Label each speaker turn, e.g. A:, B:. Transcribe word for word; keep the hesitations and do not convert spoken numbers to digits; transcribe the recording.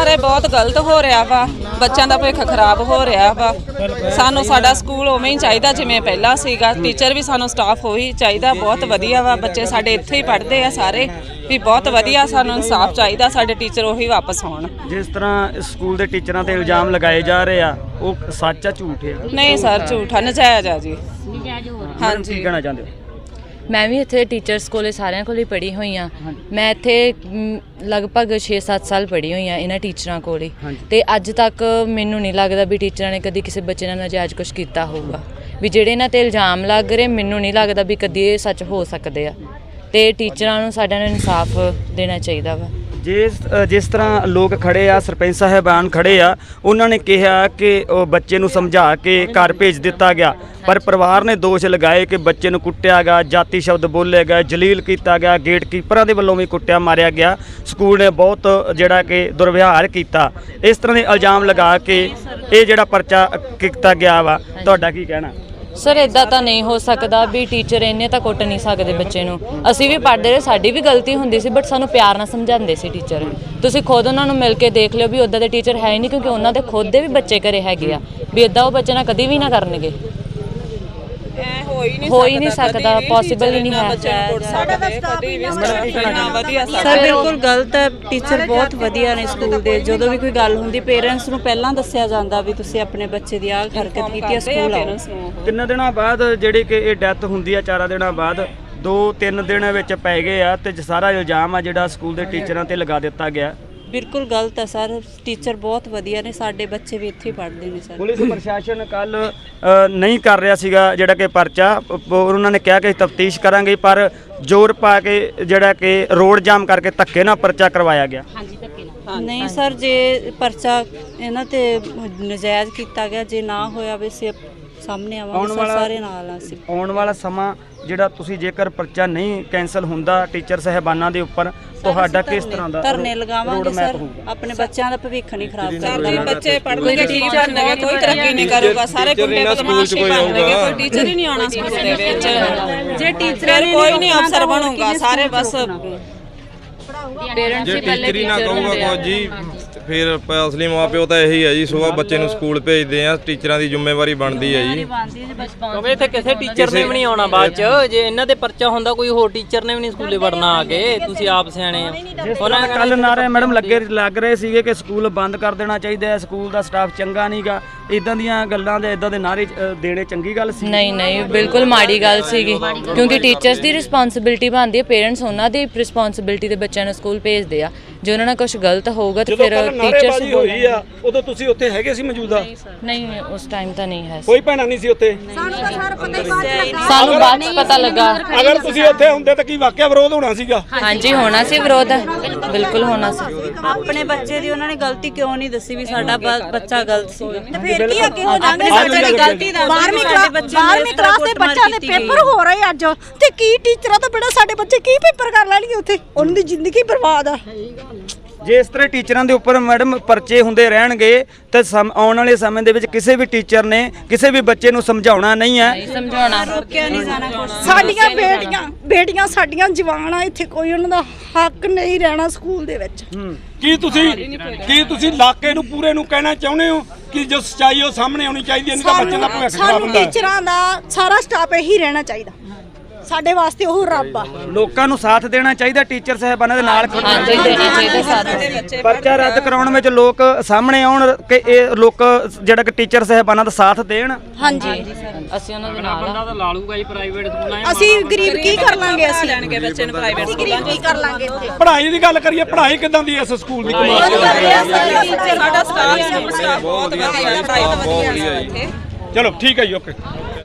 A: Sir ਇਹ ਬਹੁਤ ਗਲਤ ਹੋ ਰਿਹਾ ਵਾ, ਬੱਚਿਆਂ ਦਾ ਭਵਿੱਖ ਖਰਾਬ ਹੋ ਰਿਹਾ ਵਾ। ਸਾਨੂੰ ਸਾਡਾ ਸਕੂਲ ਉਵੇਂ ਹੀ ਚਾਹੀਦਾ ਜਿਵੇਂ ਪਹਿਲਾਂ ਸੀਗਾ, ਟੀਚਰ ਵੀ ਸਾਨੂੰ ਸਟਾਫ ਉਹੀ ਚਾਹੀਦਾ, ਬਹੁਤ ਵਧੀਆ ਵਾ। ਬੱਚੇ ਸਾਡੇ ਇੱਥੇ ਹੀ ਪੜ੍ਹਦੇ ਆ ਸਾਰੇ ਵੀ, ਬਹੁਤ ਵਧੀਆ। ਸਾਨੂੰ ਇਨਸਾਫ ਚਾਹੀਦਾ, ਸਾਡੇ ਟੀਚਰ ਉਹੀ ਵਾਪਸ ਆਉਣ।
B: ਜਿਸ ਤਰ੍ਹਾਂ ਸਕੂਲ ਦੇ ਟੀਚਰਾਂ ਤੇ ਇਲਜ਼ਾਮ ਲਗਾਏ ਜਾ ਰਹੇ ਆ, ਉਹ ਸੱਚ ਆ ਝੂਠ ਆ?
A: ਨਹੀਂ ਸਰ, ਝੂਠਾ ਨਜਾਇਜ਼ ਆ ਜੀ।
B: ਹਾਂਜੀ, ਕੀ ਕਹਿਣਾ ਚਾਹੁੰਦੇ ਹੋ?
C: ਮੈਂ ਵੀ ਇੱਥੇ ਟੀਚਰਸ ਕੋਲੇ ਸਾਰਿਆਂ ਕੋਲੇ ਪੜ੍ਹੀ ਹੋਈ ਹਾਂ। ਮੈਂ ਇੱਥੇ ਲਗਭਗ ਛੇ ਸੱਤ ਸਾਲ ਪੜ੍ਹੀ ਹੋਈ ਹਾਂ ਇਹਨਾਂ ਟੀਚਰਾਂ ਕੋਲ ਹੀ, ਤੇ ਅੱਜ ਤੱਕ ਮੈਨੂੰ ਨਹੀਂ ਲੱਗਦਾ ਵੀ ਟੀਚਰਾਂ ਨੇ ਕਦੀ ਕਿਸੇ ਬੱਚੇ ਨਾਲ ਨਾਜਾਇਜ਼ ਕੁਛ ਕੀਤਾ ਹੋਊਗਾ। ਵੀ ਜਿਹੜੇ ਇਹਨਾਂ ਤੇ ਇਲਜ਼ਾਮ ਲੱਗ ਰਹੇ, ਮੈਨੂੰ ਨਹੀਂ ਲੱਗਦਾ ਵੀ ਕਦੀ ਇਹ ਸੱਚ ਹੋ ਸਕਦੇ ਆ, ਤੇ ਟੀਚਰਾਂ ਨੂੰ ਸਾਰਿਆਂ ਨੂੰ ਇਨਸਾਫ ਦੇਣਾ ਚਾਹੀਦਾ ਵਾ।
B: ਜਿਸ ਜਿਸ ਤਰ੍ਹਾਂ ਲੋਕ ਖੜੇ ਆ, ਸਰਪੰਚ ਸਾਹਿਬਾਨ ਖੜੇ ਆ, ਉਹਨਾਂ ਨੇ ਕਿਹਾ ਕਿ ਉਹ ਬੱਚੇ ਨੂੰ ਸਮਝਾ ਕੇ ਘਰ ਭੇਜ ਦਿੱਤਾ ਗਿਆ, ਪਰ ਪਰਿਵਾਰ ਨੇ ਦੋਸ਼ ਲਗਾਏ ਕਿ ਬੱਚੇ ਨੂੰ ਕੁੱਟਿਆ ਗਿਆ, ਜਾਤੀ ਸ਼ਬਦ ਬੋਲੇ ਗਏ, ਜਲੀਲ ਕੀਤਾ ਗਿਆ, ਗੇਟ ਕੀਪਰਾਂ ਦੇ ਵੱਲੋਂ ਵੀ ਕੁੱਟਿਆ ਮਾਰਿਆ ਗਿਆ, ਸਕੂਲ ਨੇ ਬਹੁਤ ਜਿਹੜਾ ਕਿ ਦੁਰਵਿਹਾਰ ਕੀਤਾ। ਇਸ ਤਰ੍ਹਾਂ ਦੇ ਇਲਜ਼ਾਮ ਲਗਾ ਕੇ ਇਹ ਜਿਹੜਾ ਪਰਚਾ ਕੀਤਾ ਗਿਆ ਵਾ, ਤੁਹਾਡਾ ਕੀ ਕਹਿਣਾ?
C: ਸਰ ਇੱਦਾਂ ਤਾਂ ਨਹੀਂ ਹੋ ਸਕਦਾ ਵੀ ਟੀਚਰ ਇੰਨੇ ਤਾਂ ਕੁੱਟ ਨਹੀਂ ਸਕਦੇ ਬੱਚੇ ਨੂੰ। ਅਸੀਂ ਵੀ ਪੜ੍ਹਦੇ ਰਹੇ, ਸਾਡੀ ਵੀ ਗਲਤੀ ਹੁੰਦੀ ਸੀ, ਬਟ ਸਾਨੂੰ ਪਿਆਰ ਨਾਲ ਸਮਝਾਉਂਦੇ ਸੀ ਟੀਚਰ। ਤੁਸੀਂ ਖੁਦ ਉਹਨਾਂ ਨੂੰ ਮਿਲ ਕੇ ਦੇਖ ਲਿਓ ਵੀ ਉੱਦਾਂ ਦੇ ਟੀਚਰ ਹੈ ਹੀ ਨਹੀਂ, ਕਿਉਂਕਿ ਉਹਨਾਂ ਦੇ ਖੁਦ ਦੇ ਵੀ ਬੱਚੇ ਘਰੇ ਹੈਗੇ ਆ, ਵੀ ਇੱਦਾਂ ਉਹ ਬੱਚੇ ਨਾਲ ਕਦੀ ਵੀ ਨਾ ਕਰਨਗੇ। ਹੋ ਹੀ ਨਹੀਂ ਸਕਦਾ, ਪੋਸੀਬਲ ਹੀ ਨਹੀਂ ਹੈ।
D: ਸਰ ਬਿਲਕੁਲ ਗਲਤ ਹੈ। ਟੀਚਰ ਬਹੁਤ ਵਧੀਆ ਨੇ ਸਕੂਲ ਦੇ। ਜਦੋਂ ਵੀ ਕੋਈ ਗੱਲ ਹੁੰਦੀ ਪੇਰੈਂਟਸ ਨੂੰ ਪਹਿਲਾਂ ਦੱਸਿਆ ਜਾਂਦਾ ਵੀ ਤੁਸੀਂ ਆਪਣੇ ਬੱਚੇ ਦੀ ਆਹ ਹਰਕਤ ਕੀਤੀ ਹੈ, ਸਕੂਲ ਆਓ।
B: ਤਿੰਨ ਦਿਨਾਂ ਬਾਅਦ ਜਿਹੜੀ ਕਿ ਇਹ ਡੈਥ ਹੁੰਦੀ ਆ, ਚਾਰਾਂ ਦਿਨਾਂ ਬਾਅਦ ਦੋ ਤਿੰਨ ਦਿਨ ਵਿੱਚ ਪੈ ਗਏ ਆ, ਤੇ ਸਾਰਾ ਇਲਜ਼ਾਮ ਆ ਜਿਹੜਾ ਸਕੂਲ ਦੇ ਟੀਚਰਾਂ ਤੇ ਲਗਾ ਦਿੱਤਾ ਗਿਆ।
D: ਬਿਲਕੁਲ ਗਲਤ ਹੈ ਸਰ। ਟੀਚਰ ਬਹੁਤ ਵਧੀਆ ਨੇ, ਸਾਡੇ ਬੱਚੇ ਵੀ ਇੱਥੇ ਪੜ੍ਹਦੇ ਨੇ ਸਰ।
B: ਪੁਲਿਸ ਪ੍ਰਸ਼ਾਸਨ ਕੱਲ ਨਹੀਂ ਕਰ ਰਿਹਾ ਸੀਗਾ ਜਿਹੜਾ ਕਿ ਪਰਚਾ, ਉਹਨਾਂ ਨੇ ਕਿਹਾ ਕਿ ਤਫਤੀਸ਼ ਕਰਾਂਗੇ, ਪਰ ਜ਼ੋਰ ਪਾ ਕੇ ਜਿਹੜਾ ਕਿ ਰੋਡ ਜਾਮ ਕਰਕੇ ਧੱਕੇ ਨਾਲ ਪਰਚਾ ਕਰਵਾਇਆ ਗਿਆ।
D: ਨਹੀਂ ਸਰ, ਜੇ ਪਰਚਾ ਇਹਨਾਂ ਤੇ ਨਜਾਇਜ਼ ਕੀਤਾ ਗਿਆ, ਜੇ ਨਾ ਹੋਇਆ ਵੀ ਅਸੀਂ ਸਾਹਮਣੇ ਆਵਾਂਗੇ ਸਰ, ਸਾਰੇ ਨਾਲ ਅਸੀਂ।
B: ਆਉਣ ਵਾਲਾ ਸਮਾਂ ਜਿਹੜਾ ਤੁਸੀਂ ਜੇਕਰ ਪਰਚਾ ਨਹੀਂ ਕੈਂਸਲ ਹੁੰਦਾ ਟੀਚਰ ਸਾਹਿਬਾਨਾਂ ਦੇ ਉੱਪਰ, ਤੁਹਾਡਾ ਕਿਸ ਤਰ੍ਹਾਂ ਦਾ
D: ਧਰਨੇ ਲਗਾਵਾਂਗੇ ਸਰ। ਆਪਣੇ ਬੱਚਿਆਂ ਦਾ ਭਵਿੱਖ ਨਹੀਂ ਖਰਾਬ ਕਰਨਾ।
A: ਜੀ ਬੱਚੇ ਪੜ੍ਹਨਗੇ, ਟੀਚਰ ਬਣਨਗੇ, ਕੋਈ ਤਰੱਕੀ ਨਹੀਂ ਕਰੂਗਾ, ਸਾਰੇ ਗੁੰਡੇ ਬਦਮਾਸ਼ੀ ਬਣਨਗੇ, ਕੋਈ ਟੀਚਰ ਹੀ ਨਹੀਂ ਆਉਣਾ ਸਕੂਲ ਦੇ ਵਿੱਚ।
D: ਜੇ ਟੀਚਰਾਂ ਨੇ
A: ਕੋਈ ਨਹੀਂ ਅਫਸਰ ਬਣੂਗਾ, ਸਾਰੇ ਬਸ
C: ਪੇਰੈਂਟਸ ਹੀ ਪਹਿਲੇ
E: ਟੀਚਰ ਹੀ ਨਾ ਕਹੂਗਾ ਕੁਝ ਜੀ, ਫਿਰ ਅਸਲੀ ਮਾਂ ਪਿਓ ਤਾਂ ਇਹੀ ਹੈ ਜੀ। ਸੁਬਾਹ ਬੱਚੇ ਨੂੰ ਸਕੂਲ ਭੇਜਦੇ ਆ, ਟੀਚਰਾਂ ਦੀ ਜ਼ਿੰਮੇਵਾਰੀ ਬਣਦੀ ਹੈ ਜੀ,
F: ਕਿਉਂਕਿ ਇੱਥੇ ਕਿਸੇ ਟੀਚਰ ਨੇ ਵੀ ਨਹੀਂ ਆਉਣਾ ਬਾਅਦ ਚ। ਜੇ ਇਹਨਾਂ ਦੇ ਪਰਚਾ ਹੁੰਦਾ, ਕੋਈ ਹੋਰ ਟੀਚਰ ਨੇ ਵੀ ਨਹੀਂ ਸਕੂਲੇ ਵੜਨਾ ਆ ਕੇ। ਤੁਸੀਂ ਆਪ ਸਿਆਣੇ ਆ।
B: ਉਹਨਾਂ ਨੇ ਕੱਲ ਨਾਰੇ ਮੈਡਮ ਲੱਗੇ ਲੱਗ ਰਹੇ ਸੀਗੇ ਕਿ ਸਕੂਲ ਬੰਦ ਕਰ ਦੇਣਾ ਚਾਹੀਦਾ ਹੈ, ਸਕੂਲ ਦਾ ਸਟਾਫ ਚੰਗਾ ਨਹੀਂਗਾ, ਇਦਾਂ ਦੀਆਂ ਗੱਲਾਂ ਦੇ ਇਦਾਂ ਦੇ ਨਾਰੇ ਦੇਣੇ ਚੰਗੀ ਗੱਲ ਸੀ?
C: ਨਹੀਂ ਨਹੀਂ, ਬਿਲਕੁਲ ਮਾੜੀ ਗੱਲ ਸੀਗੀ, ਕਿਉਂਕਿ ਟੀਚਰਸ ਦੀ ਰਿਸਪੌਂਸਿਬਿਲਿਟੀ ਬਣਦੀ ਹੈ, ਪੇਰੈਂਟਸ ਉਹਨਾਂ ਦੀ ਰਿਸਪੌਂਸਿਬਿਲਿਟੀ ਦੇ ਬੱਚਿਆਂ ਨੂੰ ਸਕੂਲ ਭੇਜਦੇ ਆ। ਜੇ ਉਹਨਾਂ ਨਾਲ ਕੁਝ ਗਲਤ ਹੋਊਗਾ ਤਾਂ ਫਿਰ ਟੀਚਰਸ
G: ਹੋਈ ਆ, ਉਦੋਂ ਤੁਸੀਂ ਉੱਥੇ ਹੈਗੇ ਸੀ ਮੌਜੂਦਾ?
C: ਨਹੀਂ, ਉਸ ਟਾਈਮ ਤਾਂ ਨਹੀਂ ਹੈ।
G: ਕੋਈ ਭੈਣਾਂ ਨਹੀਂ ਸੀ ਉੱਥੇ?
C: ਸਾਨੂੰ ਬਾਅਦ ਚ ਪਤਾ ਲੱਗਾ।
G: ਅਗਰ ਤੁਸੀਂ ਉੱਥੇ ਹੁੰਦੇ ਤਾਂ ਕੀ ਵਾਕਿਆ ਵਿਰੋਧ ਹੋਣਾ ਸੀਗਾ?
C: ਹਾਂਜੀ, ਹੋਣਾ ਸੀ ਵਿਰੋਧ, ਬਿਲਕੁਲ ਹੋਣਾ ਸੀ।
D: ਆਪਣੇ ਬੱਚੇ ਦੀ ਉਹਨਾਂ ਨੇ ਗਲਤੀ ਕਿਉਂ ਨਹੀਂ ਦੱਸੀ ਵੀ ਸਾਡਾ ਬੱਚਾ ਗਲਤ ਸੀਗਾ? ਤੇ ਫਿਰ ਕੀ ਅੱਗੇ ਹੋ ਜਾਣਗੇ? ਬੱਚੇ ਦੀ ਗਲਤੀ ਦਾ ਬਾਰਵੀਂ ਕਲਾਸ ਦੇ ਬੱਚਿਆਂ ਦੇ ਪੇਪਰ ਹੋ ਰਹੇ ਅੱਜ, ਤੇ ਕੀ ਟੀਚਰਾਂ ਤੋਂ ਬਿਨਾਂ ਸਾਡੇ ਬੱਚੇ ਕੀ ਪੇਪਰ ਕਰ ਲੈਣਗੇ ਉੱਥੇ? ਉਹਨਾਂ ਦੀ ਜ਼ਿੰਦਗੀ ਬਰਬਾਦ ਆ।
B: ਜੇ ਇਸ ਤਰ੍ਹਾਂ ਟੀਚਰਾਂ ਦੇ ਉੱਪਰ ਮੈਡਮ ਪਰਚੇ ਹੁੰਦੇ ਰਹਿਣਗੇ ਤਾਂ ਆਉਣ ਵਾਲੇ ਸਮੇਂ ਦੇ ਵਿੱਚ ਕਿਸੇ ਵੀ ਟੀਚਰ ਨੇ ਕਿਸੇ ਵੀ ਬੱਚੇ ਨੂੰ ਸਮਝਾਉਣਾ ਨਹੀਂ ਹੈ।
C: ਸਮਝਾਉਣਾ
D: ਰੋਕਿਆ ਨਹੀਂ ਜਾਣਾ।
H: ਸਾਡੀਆਂ ਬੇਟੀਆਂ ਬੇਟੀਆਂ ਸਾਡੀਆਂ ਜਵਾਨ ਆ, ਇੱਥੇ ਕੋਈ ਉਹਨਾਂ ਦਾ ਹੱਕ ਨਹੀਂ ਰਹਿਣਾ ਸਕੂਲ ਦੇ ਵਿੱਚ।
G: ਕੀ ਤੁਸੀਂ ਕੀ ਤੁਸੀਂ ਇਲਾਕੇ ਨੂੰ ਪੂਰੇ ਨੂੰ ਕਹਿਣਾ ਚਾਹੁੰਦੇ ਹੋ ਕਿ ਜੋ ਸੱਚਾਈ ਉਹ ਸਾਹਮਣੇ ਆਉਣੀ ਚਾਹੀਦੀ ਹੈ, ਨਹੀਂ ਤਾਂ ਬੱਚਿਆਂ ਦਾ ਭਵਿੱਖ ਖਰਾਬ ਹੁੰਦਾ ਹੈ?
H: ਟੀਚਰਾਂ ਦਾ ਸਾਰਾ ਸਟਾਫ ਇਹੀ ਰਹਿਣਾ ਚਾਹੀਦਾ, ਸਾਡੇ ਵਾਸਤੇ ਉਹ ਰੱਬ ਆ।
B: ਲੋਕਾਂ ਨੂੰ ਸਾਥ ਦੇਣਾ ਚਾਹੀਦਾ, ਟੀਚਰ ਸਾਹਿਬਾਨਾਂ ਦੇ ਨਾਲ
C: ਦੇਣਾ ਚਾਹੀਦਾ ਸਾਥ।
B: ਪਰਚਾ ਰੱਦ ਕਰਾਉਣ ਵਿੱਚ ਲੋਕ ਸਾਹਮਣੇ ਆਉਣ ਕਿ ਇਹ ਲੋਕ ਜਿਹੜਾ ਕਿ ਟੀਚਰ ਸਾਹਿਬਾਨਾਂ ਦਾ ਸਾਥ ਦੇਣ।
H: ਹਾਂਜੀ,
C: ਅਸੀਂ ਉਹਨਾਂ ਦੇ ਨਾਲ
F: ਬੰਦਾ ਤਾਂ ਲਾ ਲੂਗਾ ਜੀ ਪ੍ਰਾਈਵੇਟ ਸਕੂਲਾਂ 'ਚ।
H: ਅਸੀਂ ਗਰੀਬ ਕੀ ਕਰ ਲਾਂਗੇ? ਅਸੀਂ
A: ਲੈਣਗੇ ਬੱਚੇ ਨੂੰ ਪ੍ਰਾਈਵੇਟ
H: ਗਰੀਬ ਕੀ ਕਰ ਲਾਂਗੇ?
G: ਪੜ੍ਹਾਈ ਦੀ ਗੱਲ ਕਰੀਏ, ਪੜ੍ਹਾਈ ਕਿੱਦਾਂ ਦੀ ਇਸ ਸਕੂਲ ਦੀ?
A: ਸਾਡਾ ਸਟਾਫ ਬਹੁਤ ਵਧੀਆ, ਪੜ੍ਹਾਈ ਤਾਂ ਵਧੀਆ।
G: ਚਲੋ ਠੀਕ ਹੈ ਜੀ, ਓਕੇ।